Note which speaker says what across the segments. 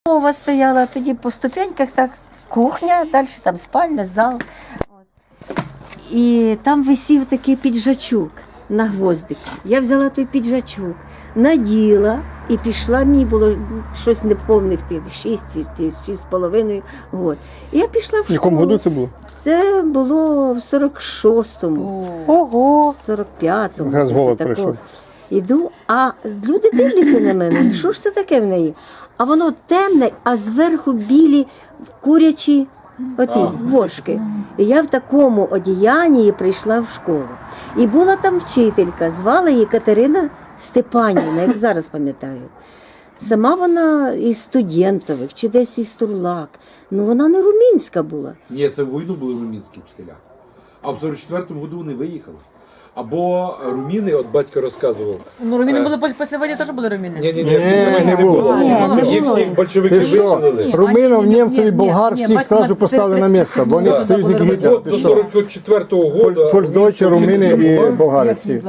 Speaker 1: Мова стояла, тоді по ступеньках так, кухня, далі там спальня, зал. І там висів такий піджачок на гвоздику. Я взяла той піджачок, наділа і пішла, мені було щось неповних тих 6,5 років. І я пішла в школу.
Speaker 2: В якому году це було?
Speaker 1: Це було в 46-му,
Speaker 3: Ого!
Speaker 1: 45-му.
Speaker 2: Якраз голод
Speaker 1: такого.
Speaker 2: прийшов.
Speaker 1: Іду, а люди дивляться на мене, що ж це таке в неї? А воно темне, а зверху білі курячі оті вошки. І я в такому одіянні прийшла в школу. І була там вчителька, звала її Катерина Степанівна, як зараз пам'ятаю. Сама вона із Студентових, чи десь із Турлак. Ну вона не румінська була.
Speaker 4: Ні, це в війну були румінські вчителя. А в 44-му году вони виїхали. Або руміни, от батько розказував.
Speaker 3: Ну, руміни були після війни теж були руміни.
Speaker 4: Ні, після війни не було. Їх всіх большевики
Speaker 2: Ти що?
Speaker 4: виселили.
Speaker 2: Руминів, німців і
Speaker 3: ні,
Speaker 2: болгар
Speaker 3: ні,
Speaker 2: всіх
Speaker 3: батько
Speaker 2: одразу поставили на місце, бо вони союзники Гітлера.
Speaker 4: От до 44-го году.
Speaker 2: Фольксдойче, румини і болгари всі.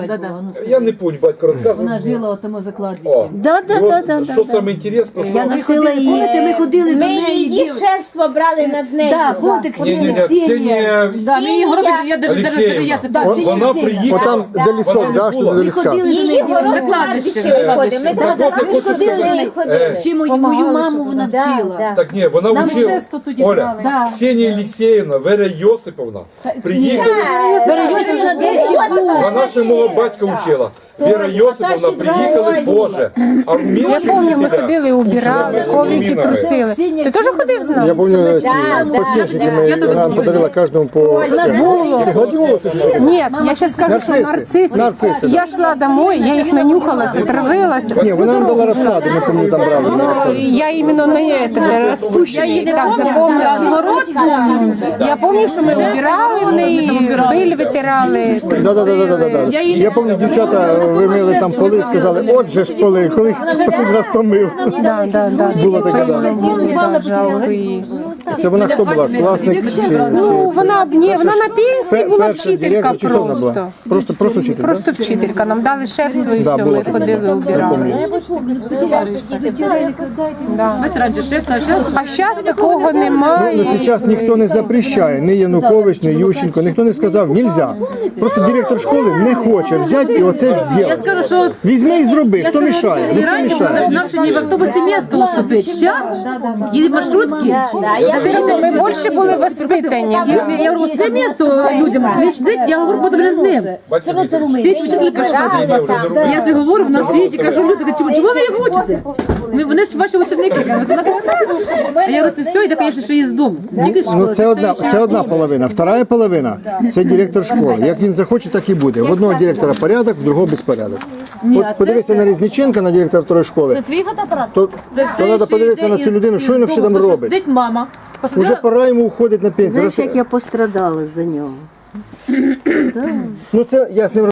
Speaker 4: Я не пам'ятаю, батько розказував.
Speaker 3: Вона жила у тому
Speaker 4: О,
Speaker 3: закладбищі.
Speaker 1: Да.
Speaker 4: Що саме інтересно,
Speaker 1: Я
Speaker 4: що...
Speaker 1: носила її.
Speaker 3: Пам'ятаєте, ми ходили до
Speaker 5: Ми
Speaker 3: неї.
Speaker 5: її шефство брали над нею.
Speaker 3: Да, помните,
Speaker 4: Ні,
Speaker 3: Ксенія. Да, ми її городили, я даже я це
Speaker 4: Вона приїхала.
Speaker 2: Отам, де лісок, да, що до ліска.
Speaker 3: ходили до
Speaker 5: Її
Speaker 3: неї
Speaker 5: город
Speaker 3: на кладбище.
Speaker 5: виходимо. Ми
Speaker 4: Так от, я хочу сказати,
Speaker 3: Ще мою маму вона вчила.
Speaker 4: так ні, вона вчила.
Speaker 3: шесто тоді
Speaker 4: Оля,
Speaker 3: брали. Да.
Speaker 4: Ксенія Олексіївна, Вера Йосиповна приїхали.
Speaker 3: Берегося де ще була.
Speaker 4: Вона ще мого батька вчила. Вера Йосиповна приїхали, Боже. А
Speaker 6: Я
Speaker 4: румінські
Speaker 6: пам'ятаю, ми
Speaker 4: вчителя...
Speaker 6: ходили, убирали, коврики трусили. Ти теж ходив з
Speaker 2: Я
Speaker 6: нами?
Speaker 2: пам'ятаю, ці подсвічники ми вона подарила кожному по... Гладіолуси ж.
Speaker 6: Ні, я ще скажу, що
Speaker 2: Нарциси.
Speaker 6: нарциси. Я йшла домой, я їх нанюхала, затравилася.
Speaker 2: Ні, вона нам дала розсаду, ми пам'ятаю, там брали.
Speaker 6: Ну, я іменно на неї розпущений, так запомнила.
Speaker 3: Город помню.
Speaker 6: Я пам'ятаю, що ми убирали в неї, биль витирали.
Speaker 2: Да. Я пам'ятаю, дівчата вимили там поли і сказали, от же ж поли, коли їх останній раз то мив.
Speaker 6: Да.
Speaker 2: Було таке, да.
Speaker 6: Да, жалко її.
Speaker 2: Це вона хто була? Класник?
Speaker 6: Ну, вона на пенсії була вчителька
Speaker 2: Чи хто вона була?
Speaker 6: просто.
Speaker 2: Просто вчителька?
Speaker 6: Просто вчителька. Нам дали шефство і
Speaker 2: Да,
Speaker 6: все,
Speaker 2: було
Speaker 6: ми
Speaker 2: таке.
Speaker 6: ходили, убирали.
Speaker 3: Бач, раніше шеф, а зараз
Speaker 6: А зараз такого
Speaker 2: Ну,
Speaker 6: немає.
Speaker 2: зараз ніхто не запрещає, ні Янукович, ні Ющенко, ніхто не сказав, нельзя. Просто директор школи не хоче взяти і оце
Speaker 3: я
Speaker 2: зробити.
Speaker 3: скажу, що
Speaker 2: Візьми і зроби, хто мішає?
Speaker 3: і
Speaker 2: Ніхто
Speaker 3: раніше
Speaker 2: мішає.
Speaker 3: нам ще ні в автобусі місто уступить. Зараз їде маршрутки.
Speaker 6: Все одно ми більше були воспитані.
Speaker 3: Я говорю, це місто людям не сидить, я говорю, потім з ним. Стоїть вчителька школи. Я з говорю, вона стоїть і кажу, люди, чого ви їх учите? Вони ж ваші ученики. А я говорю, це все, йде, звісно, що є з дому.
Speaker 2: Ну, це одна половина. Вторая половина – це директор школи. Як він захоче, так і буде. В одного директора порядок, в другого безпорядок. От подивися на Різниченка, на директора второї школи,
Speaker 3: Твій фотоапарат?
Speaker 2: то треба подивитися на цю людину, що він взагалі там робить.
Speaker 3: Сидить мама.
Speaker 2: Уже пора йому уходити на пенсію.
Speaker 1: Знаєш, як я пострадала за нього?
Speaker 2: Ну це я з ним